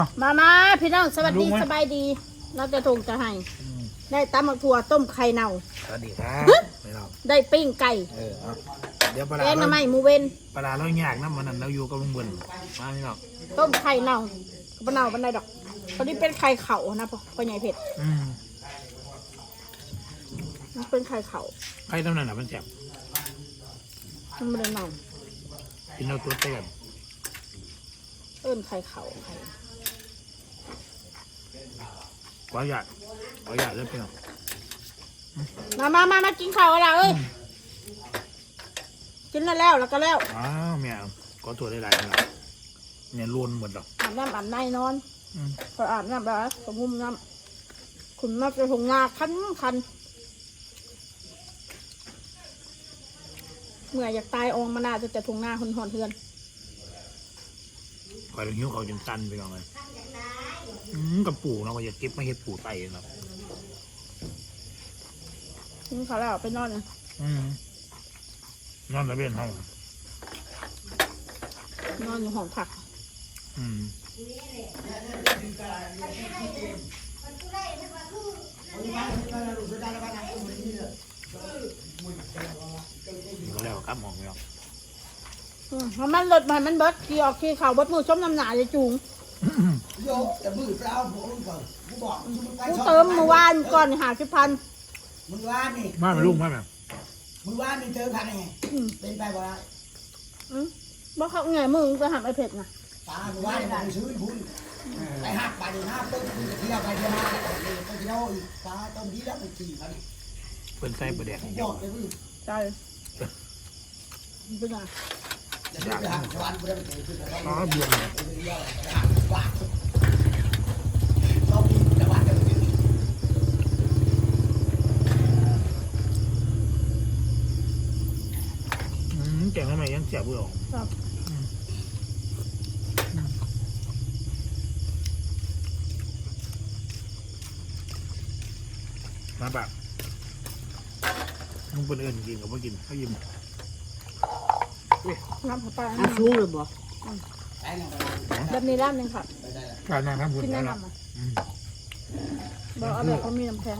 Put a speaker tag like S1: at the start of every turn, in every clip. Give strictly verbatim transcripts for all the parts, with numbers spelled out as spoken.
S1: มามาพี่น้องสวัสดีสบายดีเราจะทงจะให้ได้ตำหมักถั่วต้มไข่เน่า
S2: สวัสดีครับไม่เรา
S1: ได้ปิ้งไก่
S2: เออเดี๋ยวปลา
S1: แกงน้ำมันหมูเวน
S2: ปลาเรายากนะมันนั่นเราอยู่กับลุงบุญมาพี่น้อง
S1: ต้มไข่เน่าปลาเน่าปลาไหนดอกตอนนี้เป็นไข่เข่านะพ่อพ่อใหญ่เผ็ด
S2: อืม
S1: มันเป็นไข่เข่า
S2: ไข่ต้มนั่นน่ะมันแซ่บ
S1: มันไม่ได้เน่า
S2: กินเราตัวเต็ม
S1: เอิ้นไข่เข่าไข่
S2: ขออยากขออยากเลยพี่น้อง
S1: มามามามากินข้าวอะไรเอ้ยกินแล้วแล้วแล้วก็แล้ว
S2: อ้าวแม่ขอตัวได้หลายนะเนี่ยล้วนหมดหรอก
S1: อาบน้ำอาบในนอนพออาบน้ำแล้วสมุมน้ำขุนมาจะทงงาคันคันเมื่ออยากตายองมานาจะจะทงงาคนหอนเทือน
S2: คอยหิ้วเขาจนตันไปก่อนเลยกับปู่เราก็จะเก็บมาเห็ดปู่ไตเนาะ
S1: กินข้าวแล้วไปนอนนะ
S2: นอนระเบียงห้อง
S1: นอนอยู่ห้องผัก
S2: อืมแล้วครับมองไม่ออก
S1: มันมันรถมันมันเบิดขี่ออกขี่เข่าเบิดมือชมน้ำหนาเลยจุง
S3: โยกแต่มือเปล่าผมก่อนกูบอก
S1: กูเติมเมื่อวานก่อนหาสิบพัน
S3: มือวานนี่
S2: มาเป็นลูกมาแบบ
S3: มือวานนี่เติมพันไงเป็นไปบ่ได้
S1: อืมบ่เขาไงมึงจะหาไอเผ็ดนะ
S3: ตามือวานนี่ผมซื้อคุณไปหักไปดีห้าต้นเที่ยวไปเที่ยวมาไปเที่ยวอีกตาต้นนี้แล้วไปขี่เขาดิ
S2: เป็นไส้ประเดี๋ยว
S3: บอกเลยพี่
S1: ใช่เป็นไง
S3: จะไปหักวันกูได้ไปเจอขึ้นแล้ว
S2: อ๋อเบื่อเลย
S3: ต้องมีแต่วันจะไปถึง
S2: แกงทำไมยังเสียบเบื่อมาแบบมึงเป็นเอิญกินกับว่ากินเขายิ้ม
S1: น้ำผัดปลา
S4: น้ำชูเลยบ่
S1: แบบนี้ร้านหนึ่งค่ะ
S2: การนั่งทำบุญ
S1: กินแนะนำอ่ะบอกเอาแบบเขามีน้ำแข็ง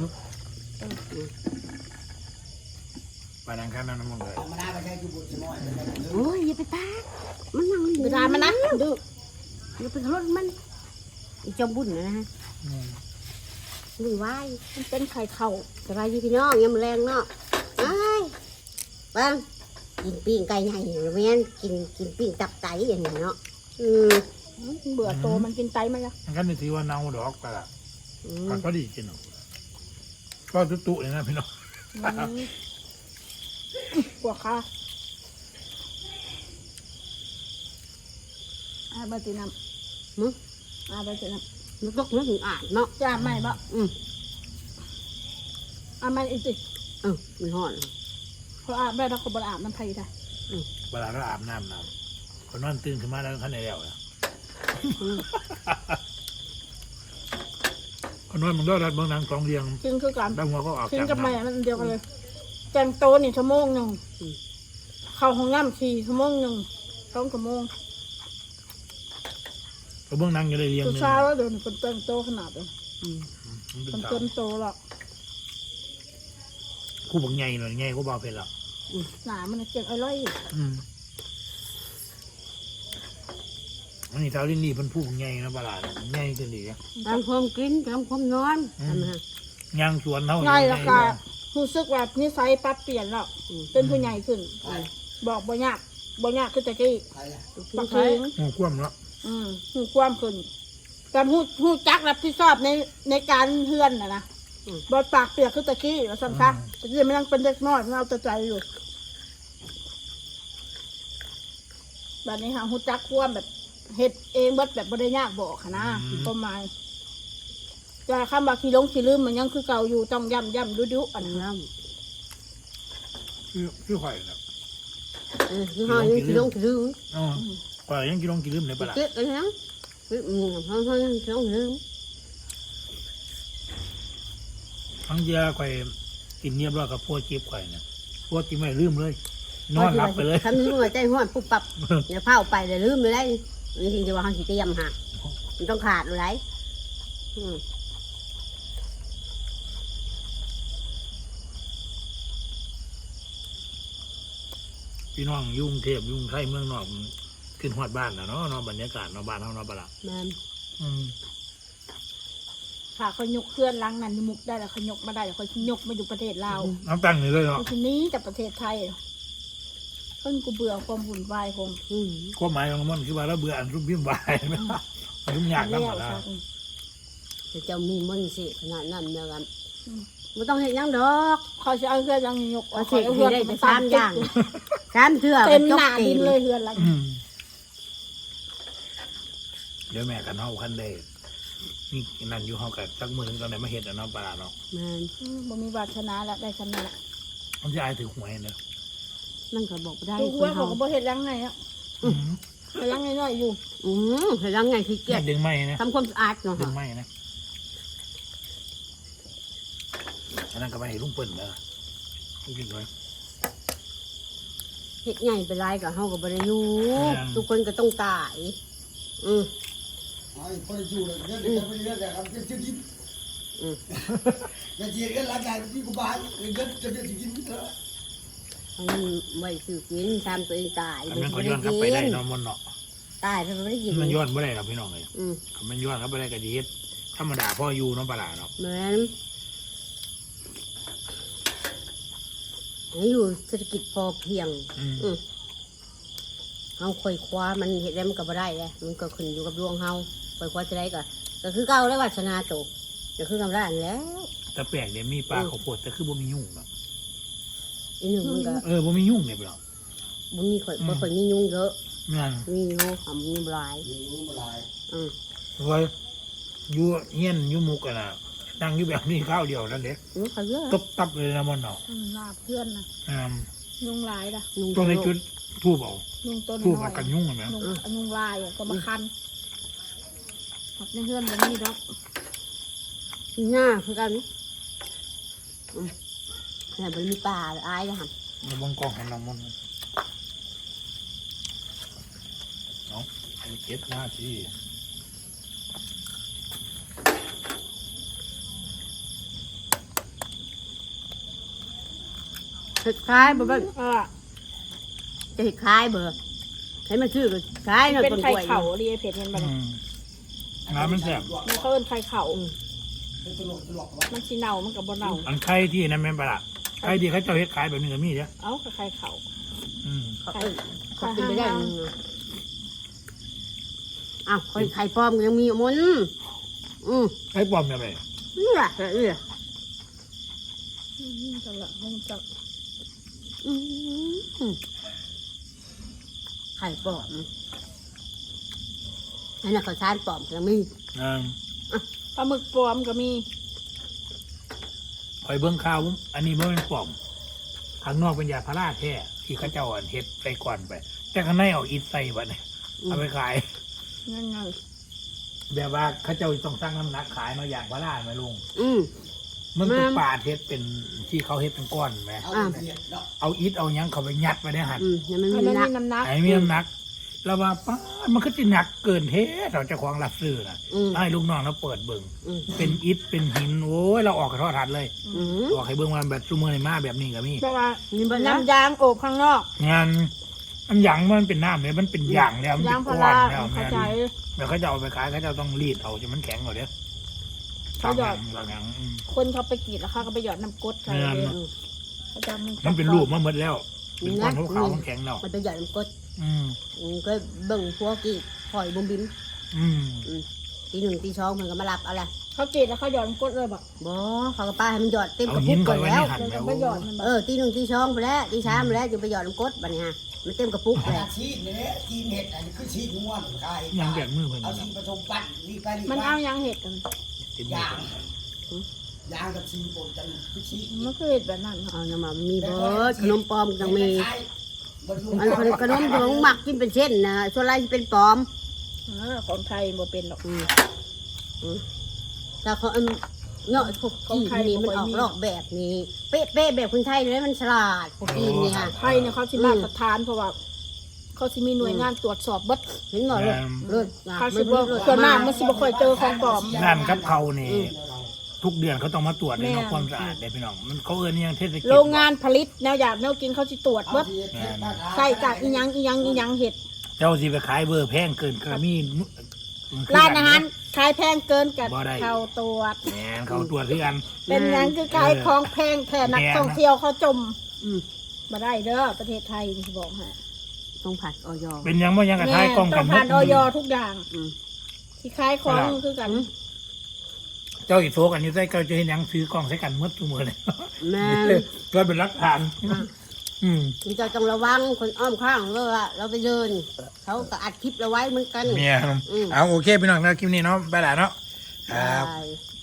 S2: ไปนั่งข้างนั่งน้ำมันเลย
S4: โอ้ยอย่าไปตามันนั่ง
S1: เวลามันนะดื้อ
S4: อย่าไปรถมันอีจอมบุญนะฮะหรือว่า
S1: มันเป็นไข่เข่า
S4: สบายดีพี่น้องยังแรงเนาะไอ้บ้างกินปิ้งไก่ใหญ่หรือไม่งั้นกินกินปิ้งตับไตอย่างนี้เนาะอืม
S1: เบื่อโตมันกินไตมันละ
S2: งั้นในที่ว่าเน่าดอกไปละมันก็ดีกินเนาะก็ตุ๊ตุเลยนะพี่น้อง
S1: กว่าค่ะอาบะติน้ำ
S4: มึง
S1: อาบะติน้
S4: ำมันตกนึกถึงอ่านเนาะ
S1: จะอาบไหมบ่
S4: อืม
S1: อาบไหมอีกสิ
S4: เออมันห่อน
S1: เขาอาบได้แล้วเขาบ่อาบน้ำไผ่ได้
S2: เวลาเราอาบน้ำน้ำคนนอนตื่นขึ้นมาแล้วขั้นในแล้วนะคนนอนมันก็รัดบางนางกองเรียง
S1: กินคือกัน
S2: บางหัวก็ออก
S1: กินกับแม่มันเดียวกันเลยแจงโตนี่ชั่วโมงหนึ่งเข้าห้องน้ำสี่ชั่วโมงหนึ่งสองชั่วโมง
S2: ก็เบื้องนั่งอยู่ได้เรียง
S1: เลยเช้าแล้วเดี๋ยวคนเต็มโตขนาดเลยคนเต็มโตหรอก
S2: คู่บังใหญ่หน่อยใหญ่ก็เบาเพลหรอก
S1: หนามันเจ็บอร่อย
S2: อันนี้เท้าลิ้นนี่เป็นผู้บังใหญ่นะปลาใหญ่จนดี
S4: ตามความกินตามความนอน
S2: ย่างสวนเท่า
S1: ง่ายละค่ะรู้สึกแบบนิสัยปรับเปลี่ยนแล้วเป็นผู้ใหญ่ขึ้นบอกบ่ยากบ่ยากคือแต่กี้ปักเอง
S2: หูคว่ำแล้ว
S1: อืมหูคว่ำขึ้นการหูหูจักรับผิดชอบในในการเฮือนนะนะบอดปากเปียกคือตะกี้ว่าซ้ำซักแต่ยังไม่ยังเป็นเด็กน้อยมันเอาแต่ใจอยู่แบบนี้ค่ะหูจักคว่ำแบบเห็ดเองบดแบบบริยากบอกค่ะนะประมาณจะคำว่าขี้ลงขี้ลืมมันยังคือเก่าอยู่ต้องย่ำย่ำดุดุอันนั้น
S2: คือคือข่อยนะ
S4: เออคือห่อยังขี้ลงขี้ลืม
S2: อ๋อข่อยยังขี้ลงขี้ลืมในปลา
S4: เจ๊กันนะคืออืมห่อห่อยังขี้ลงขี้ลืม
S2: ทั้งเยอะข่อยกินเนียบร้อยกับพวกเจ็บข่อยเนี่ยพวกที่ไม่ลืมเลยนอนหลับไปเลย
S4: ทำนึกว่าใจห้อนปุ๊บปับอย่าเผาไปเลยลืมไปได้จริงๆจะว่าเขาขี้เตี้ยมหักมันต้องขาดเลยไรอืม
S2: พี่น้องยุ่งเทพยุ่งไทยเมืองนอกขึ้นฮอดบ้านนะเนาะเนาะบรรยากาศเนาะบ้านเฮาเนาะปะล่ะ
S4: แม่น
S2: อืม
S1: ถ้าเขายกเคลื่อนล้างนั้นมุกได้แล้วเขายกมาได้แล้วเขายกมาอยู่ประเทศลาว
S2: น้ำตั้งนี่เลยเนาะ
S1: ทีนี้จากประเทศไทยเพิ่นกูเบื่อความวุ่นวายคง
S4: อืม
S2: ความหมายของมันคือว่าเราเบื่ออันรุ่มพิมพ์วายนะมันรุ่มยาก
S1: แล้
S2: ทั้ง
S1: ว
S2: หมดแล้ว
S1: ค่ะ
S4: แต่เจ้ามีมันสิขนาดนั้นเดียวกัน
S1: อืม
S4: ไม่ต้องเห็นยังดอก
S1: เขาจะเอาเพื่อนยังยก
S4: เอาเสกให้ได้แต่สามอย่างสามเทื่อ
S1: เต็ม
S4: จ
S1: ห
S4: บ
S1: น้า
S4: เต็
S1: ดิ
S4: ม
S1: นเลยเพื่อนละ
S2: อืมเดี๋ยวแม่กันเฮาคันได้นี่นั่นอยู่เฮากับสักมือนึงตอนไหนมาเห็ดอะเนาะปลาร้าเนาะ
S4: แม่น
S1: อืมบ่มีวาสนาแล้วได้คำนั้นละ
S2: มันจะอายถือหวยเนาะ
S4: มันก็บอกได้
S1: ดู
S4: ค
S1: หัวน เขา
S4: เขา
S1: ก็บ่เฮ็ดยังไงอ่ะ
S2: อืม
S1: เฮ็ดยังไงน้อยอยู่
S4: อืมเห็นยังไงขี้เกียจ
S2: ดึงไม้นะ
S4: ทำความสะอาดเนาะ
S2: ดึงไม้นะอันนั้นก็ไปให้ลุงเปิ้ลนะลุงกินไว้
S4: เฮ็ดใหญ่ไปไรกับเฮากับบริยู
S2: ยัง
S4: ทุกคนก็ต้องตาย อืม
S3: ไอ้คนอยู่เลยเรื่องนี้ไม่เรื่องอะไรครับเรื่องที่กิน
S4: อืม
S3: อย่าเจียกันหลังจากที่กูบ้านเรื่องจะเรื่องที่กินเถอะ
S4: อันนี้ไว้ซื้อกินทำตัวเองตาย
S2: อันนั้นก็ย้อนกลับไปได้เนอนมันเนาะ
S4: ตายไปไม่ได้กิน
S2: มันย้อนไม่ได้หรอกพี่น้องเลย
S4: อืม
S2: มันย้อนกลับไปได้ก็ดีเฮ็ดธรรมดาพ่ออยู่เน้องปลาร้าเนาะ
S4: เหมือนให้อยู่เศรษฐกิจพอเพียง
S2: อืม
S4: อืมเฮาค่อยคว้ามันเห็นได้มันก็บ่ได้เลยมันก็ขึ้นอยู่กับดวงเฮาค่อยคว้าจะได้ก็ก็คือเก่าแล้ววาสนาโตก็คือกำลังแล้ว
S2: แต่แปลกเนี่ยมีปลาข้าวโพดแต่คือบ่มียุ่งเนาะ
S4: อีกหนึ่งมันก็
S2: เออบ่มียุ่งเนี่ยพี่น้อง
S4: บุญมีข่อยบ่ค่อยมียุงเยอะ
S2: นั่น
S4: มีอยู่ทำมีหลาย
S3: อยู่มาลาย
S4: อืม
S2: ไว้อยู่เฮียนอยู่หมุกกันน่ะนั่งอยู่แบบนี้ข้าวเดียวนั่นเด็ก
S4: อืมเขาเยอะ
S2: ตบตับเลยนะมันเนาะ
S1: อืมลาเพื่อนนะ
S2: อืม
S1: ยุงลายล่ะ
S4: ยุง
S2: ตรงในจุดทูบเอา
S1: ยุงต้น
S2: ทูบ
S1: น้อ
S2: มาย กันยุ่งเห็นไหม
S1: ยุงยุงลายอ่ะก็มาคันหักในเพื่อนแบบนี้ดอก
S4: มีหน้าคือกันอืมแต่มันมีป่าหรืออายนะฮะ
S2: ในบงกองของน้ำมันต์เนาะไอ้เก็บหน้าที่
S4: เห็ดคล้ายบ่เบิ่ง
S1: เออ
S4: จะเห็ดคล้ายเบอร์ให้มันชื่อก็คล้ายเนาะ
S1: เป็น
S4: ต้น
S1: ไข่
S4: กล้วย
S1: เข่าเรียเผ็ดเห็น
S2: อื
S1: บ่เนี่ย
S2: มน้ำมันแสบ
S1: มันเขาเอิ้นไข่เข่า
S3: เป็นตลกตลกวะ
S1: มันสีเน่ามันกับบ่เน่า
S2: อันไข่ที่นั่นแม่นปลาร้าไข่ที่เขาเจ้าเฮ็ดขายแบบนี้ก็มีเด้อ
S1: เอ้ากับไข่เข่า
S2: อืม
S4: เขาเอ้ยเขากินไปได้มึงอะอ้าวคนไข่ปลอมก็ยังมีอยู่มันอืม
S2: ไข่ปลอมแบบไหน
S4: นี่แหละนี่แหละ
S1: อืมจังละคงจัก
S4: อืมไข่ปลอมอันนั้นเขาวสารปลอมก็ยังมี
S2: อ่า
S1: ปลาหมึกปลอมก็มี
S2: คอยเบิ่งข่าวอันนี้บ่แม่นปลอมข้างนอกเป็นยาพาราแท้ที่เขาเจ้าอันเฮ็ดใส่ก่อนไป แต่ข้างในเอาอิฐใส่บัดนี้เอาไปขาย
S1: นั่นไง
S2: แบบว่าเขาเจ้าต้องสร้างน้ำหนักขายมาอย่างพาราไหมลุง
S4: อืม
S2: มันเป็น
S4: แม่น
S2: ปาดเฮ็ดเป็นที่เขาเฮ็ดเป็นก้อนไหม
S3: เอาเดียดเนาะ
S2: เอาอิฐเอาหยังเขาไปยัดไว้ในหัน
S4: อืมยังมัน
S1: อัน
S4: มี
S1: นั้น
S4: นัก
S1: มีน้ำหนัก
S2: ไอ้มีน้ำหนักแล้วว่าป้าดมันก็จะหนักเกินเทเราเจ้าของรับซื้อนะ
S4: อืม
S2: ให้ลูกน้องเราเปิดเบิ่ง
S4: อืม
S2: เป็นอิฐเป็นหินโอ้ยเราออกกระทอทัดเลย
S4: อืม
S2: ออกให้เบิ่งว่าแบบซูเมอร์ในมาแบบนี้ก็มี
S1: เพราะว่า
S4: มีบ้างนะ
S1: น้ำยางโอบข้างนอก
S2: งานอันหยังมันเป็นน้ำเลยมันเป็นหยางแล้วมัน
S1: ยา
S2: เป็
S1: ง
S2: น
S1: พา
S2: ก้อน
S1: รา
S2: แล้ว
S1: เข้า
S2: แม่
S1: ใจ
S2: แล้วเขาจะเอาไปขายเขาจะต้องรีดเอาจนมันแข็งก่อนเด้อ
S1: เขาหยอด
S2: บางอย่างอืม
S1: คนเขาไปกรีดแล้วเขาก็ไปหยอดน้ำกรดใส่
S2: แม่น
S1: เลยเขาจะ
S2: มันเป็นรูปมาหมดแล้วเป็นก้อนขาวๆมันแข็งแล้ว
S4: มันเป็นหยอดน้ำกรด
S2: อืม
S4: อืมก็เบิ่งพวกกี่หอยบุมบิม
S2: อืม
S4: อืมตีหนึ่งตีสองมันก็มารับเอาละ
S1: เขากรีดแล้วเขาหยอดน้ำกรดเลยบอก
S4: บ่เขาก็ป้าให้มันหยอดเต็มก
S2: เอา
S4: ระ
S2: หิ
S4: ปุ
S2: น
S4: ก
S2: ก่
S4: ก่
S2: อ
S4: อน น
S2: ไว้
S4: แล้
S2: ใน
S4: ว
S2: หัน
S1: แล้ว
S2: แล้
S1: ก็
S2: ว
S1: ไปหยอดมันบอ
S4: เอก อตีหนึ่งตีสองไปแล้วตีสามไปแล้วจะไปหยอดน้ำกรดบัดนี้ฮะมันเต็มกระปุก
S3: ข
S4: เลย
S3: นาดชีสเนี่ยชีสเห็ดอันนี้คือชีสม้วนขาย
S2: ยังแบบมือเพิ่น
S3: เอา
S2: นะ
S3: ชีสผสมปั้นนี่ไปนี่
S1: มัน
S3: ไป
S1: เอายังเห็ดกัน
S2: เป็นมือย
S3: าง
S2: เพิ่น
S3: ยางกับชีสปนกันคือชีส
S1: มันคือเห็ดแบบนั้นเหรอ
S4: เอาน้ำมันมีเบิร์ดขนมปลอมต้องมี
S3: บรรลุ
S4: อันขนมขนมของหมักกินเป็นเส้นนะส่วนไรที่เป็นปลอม
S1: เออของไทยบ่เป็นหรอก
S4: อืมอืมแต่เขาอันเนาะพวกจีนนี่มันออกลอกแบบนี้เป๊ะๆแบบคนไทยเลยมันฉลาดพวกจีนนี่ฮะ
S1: ไทยเนี่ยเขาสิมาตรฐานเพราะว่าเขาสิมีหน่วยงานตรวจสอบเบิด
S4: เห็นหมดเลยเลือด
S1: เขาสิบ่ส่วนมากมันสิบ่ค่อยเจอของปลอม
S2: ร้านกับเขานี่ทุกเดือนเขาต้องมาตรวจในนอกความสะอาดได้พี่น้องมันเขาเอิ้นอิหยังเทศกิจ
S1: โรงงานผลิตแนวอยากแนวกินเขาสิตรวจเบิดใส่จากอีหยังอีหยังอีหยังเห็ด
S2: เจ้าสิไปขายเบอร์แพงเกินก็มีมันคือ
S1: ร้านอาหารขายแพงเกินกับ
S2: บ่ได้
S1: เขาตรวจ
S2: แหมเขาตรวจคือกัน
S1: เป็นหยังคือขายของแพงแทนนักท่องเที่ยวเขาจม
S4: อืม
S1: มาได้เด้อประเทศไทยนี่สิบอกฮะ
S4: ต้องผัดออย
S2: เป็นหยังบ่ยังกระทายกล้อง
S1: ต้
S2: กั
S1: อน งผ่าน
S2: หม
S1: อ
S2: ด
S1: อยทุกอย่าง
S4: อืม
S1: ที่ขายของคือกัน
S2: เจ้าอีโฟกันอยู่ใส่เจ้าจะเห็นหยังซื้อกล้องใส่กันหมดทุกมื้อเลย
S4: แม่
S2: เพื่อเป็นหลักฐานอืม
S4: คุณเจ้าต้องระวังคนอ้อมข้างเราว่าเราไปเดิน เขาก็อัดคลิปเราไว้เหมือนกัน
S2: เมีย
S4: อืม
S2: เอาโอเคพี่น้องนะคลิปนี้เนาะไปแล้วเนาะครับ
S4: ใช่